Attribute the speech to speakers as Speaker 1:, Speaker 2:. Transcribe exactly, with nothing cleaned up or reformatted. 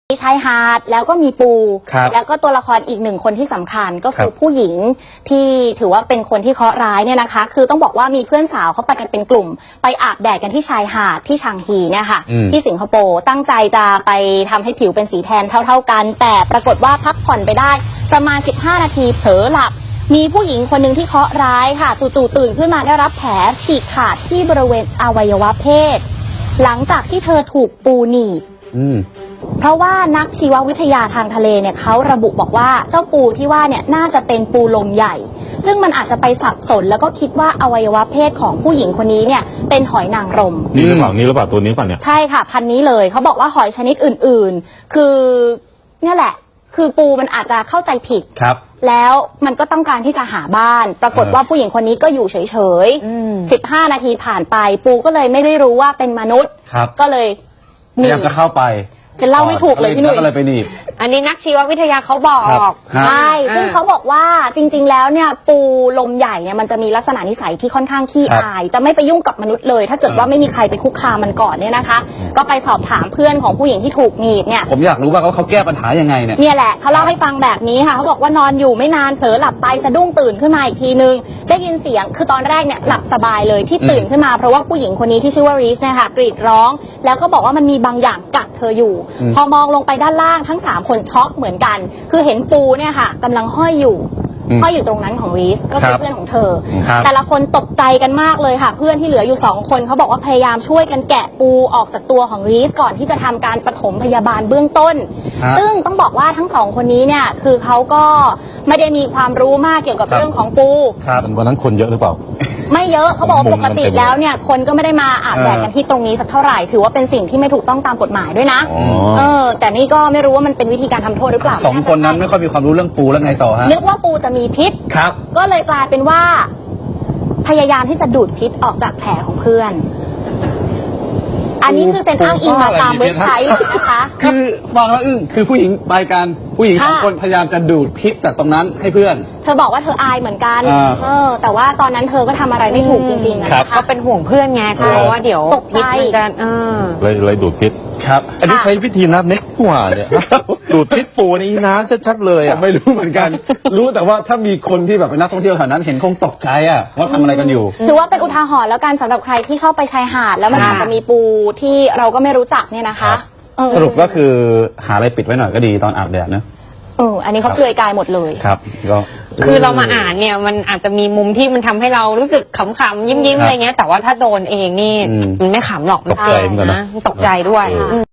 Speaker 1: มีชายหาดแล้วก็มีปูแล้วก็ตัวละครอีกหนึ่งคนที่สำคัญก็คือผู้หญิงที่ถือว่าเป็นคนที่เคราะห์ร้ายเนี่ยนะคะคือต้องบอกว่ามีเพื่อนสาวเขาไปกันเป็นกลุ่มไปอาบแดดกันที่ชายหาดที่ชางฮีเนี่ยค่ะที่สิงคโปร์ตั้งใจจะไปทำให้ผิวเป็นสีแทนเท่าๆกันแต่ปรากฏว่าพักผ่อนไปได้ประมาณสิบห้านาทีเผลอหลับมีผู้หญิงคนหนึ่งที่เคราะห์ร้ายค่ะจู่ๆตื่นขึ้นมาได้รับแผลฉีกขาดที่บริเวณอวัยวะเพศหลังจากที่เธอถูกปูหนีบเพราะว่านักชีววิทยาทางทะเลเนี่ยเขาระบุบอกว่าเจ้าปูที่ว่าเนี่ยน่าจะเป็นปูลมใหญ่ซึ่งมันอาจจะไปสับสนแล้วก็คิดว่าอวัยวะเพศของผู้หญิงคนนี้เนี่ยเป็นหอยนางรม
Speaker 2: นี่หรือเปล่านี่หรือเปล่าตัวนี้ป่ะเนี่ย
Speaker 1: ใช่ค่ะพันนี้เลยเขาบอกว่าหอยชนิดอื่นๆคือเนี่ยแหละคือปูมันอาจจะเข้าใจผิด
Speaker 2: ครับ
Speaker 1: แล้วมันก็ต้องการที่จะหาบ้านปรากฏว่าผู้หญิงคนนี้ก็อยู่เฉยๆสิบห้านาทีผ่านไปปูก็เลยไม่ได้รู้ว่าเป็นมนุษย์ก็เลย
Speaker 3: พยายามจะเข้าไป
Speaker 1: จะเล่าไม่ถูกเลยพี่หนุ่ย
Speaker 3: ก็เลยไปหนีบ
Speaker 4: อันนี้นักชีววิทยาเขาบอก
Speaker 1: ใช่ซึ่งเขาบอกว่าจริงๆแล้วเนี่ยปูลมใหญ่เนี่ยมันจะมีลักษณะนิสัยที่ค่อนข้างขี้อายจะไม่ไปยุ่งกับมนุษย์เลยถ้าเกิดว่าไม่มีใครไปคุกคามมันก่อนเนี่ยนะคะก็ไปสอบถามเพื่อนของผู้หญิงที่ถูกหนีบเนี่ย
Speaker 3: ผมอยากรู้ว่าเขาเขาแก้ปัญหายังไงเนี่ย
Speaker 1: เนี่ยแหละเขาเล่าให้ฟังแบบนี้ค่ะเขาบอกว่านอนอยู่ไม่นานเผลอหลับไปสะดุ้งตื่นขึ้นมาอีกทีนึงได้ยินเสียงคือตอนแรกเนี่ยหลับสบายเลยที่ตื่นขึ้นมาเพราะว่าผู้หญิงคนนี้ที่ชื่อว่ารีสเนี่ยค่ะกรีดร้องแล้วก็บอกว่ามันมีบางอย่างกัดเธออยู่พอมองลงไปด้านล่างทั้งสามคนช็อกเหมือนกันคือเห็นปูเนี่ยค่ะกำลังห้อยอยู่ห้อยอยู่ตรงนั้นของรีสก็คือเพื่อนของเธอแต่ละคนตกใจกันมากเลยค่ะเพื่อนที่เหลืออยู่สองคนเขาบอกว่าพยายามช่วยกันแกะปูออกจากตัวของรีสก่อนที่จะทำการปฐมพยาบาลเบื้องต้นซึ่งต้องบอกว่าทั้งสองคนนี้เนี่ยคือเขาก็ไม่ได้มีความรู้มากเกี่ยวกับเรื่องของปู
Speaker 2: วันนั้นคนเยอะหรือเปล่า
Speaker 1: ไม่เยอะเขาบอกปกติแล้วเนี่ยคนก็ไม่ได้มาอาบแดดกันที่ตรงนี้สักเท่าไหร่ถือว่าเป็นสิ่งที่ไม่ถูกต้องตามกฎหมายด้วยนะเออแต่นี่ก็ไม่รู้ว่ามันเป็นวิธีการทำโทษหรือเปล่า
Speaker 3: สองคนนั้นไม่ค่อยมีความรู้เรื่องปูแล้วไงต่อฮะ
Speaker 1: นึกว่าปูจะมีพิษ
Speaker 3: ครับ
Speaker 1: ก็เลยกลายเป็นว่าพยายามที่จะดูดพิษออกจากแผลของเพื่อนอันนี้คือเซ็นอ้างอิงมาตามเว็บไซต์นะคะ
Speaker 3: คือฟังแล้วอึ้งคือผู้หญิงไปกันผู้หญิงสองคนพยายามจะดูดพิษจากตรงนั้นให้เพื่อน
Speaker 1: เธอบอกว่าเธออายเหมือนกันเออแต่ว่าตอนนั้นเธอก็ทำอะไรไม่ถูกจริงๆนะคะ
Speaker 4: ก็เป็นห่วงเพื่อนไงกลัวว่าเดี๋ยว
Speaker 1: ตกใจ
Speaker 4: กันเออ
Speaker 2: เลยเลยดูดพิษ
Speaker 3: ครับ
Speaker 2: อันนี้ใช้วิธีนับเน็กกว่าเนี่ยดูดพิษปูนี่นะชัดๆเลยอ่ะ
Speaker 3: ไม่รู้เหมือนกันรู้แต่ว่าถ้ามีคนที่แบบเป็นนักท่องเที่ยวแถวนั้นเห็นคงตกใจอ่ะว่าทำอะไรกันอยู่
Speaker 1: ถือว่าเป็นอุทาหรณ์แล้วกันสำหรับใครที่ชอบไปชายหาดแล้วมันอาจจะมีปูที่เราก็ไม่รู้จักเนี่ยนะคะ
Speaker 3: สรุปก็คือหาอะไรปิดไว้หน่อยก็ดีตอนอาบแดดนะ
Speaker 1: เอออันนี้เขาเปลือยกายหมดเลย
Speaker 3: ครับก็
Speaker 4: คือเรามาอ่านเนี่ยมันอาจจะมีมุมที่มันทำให้เรารู้สึกขำๆยิ้มๆอะไรเงี้ยแต่ว่าถ้าโดนเองนี่มันไม่ขำหรอก
Speaker 2: ตกใจเหมือนกันนะ
Speaker 4: ตกใจด้วย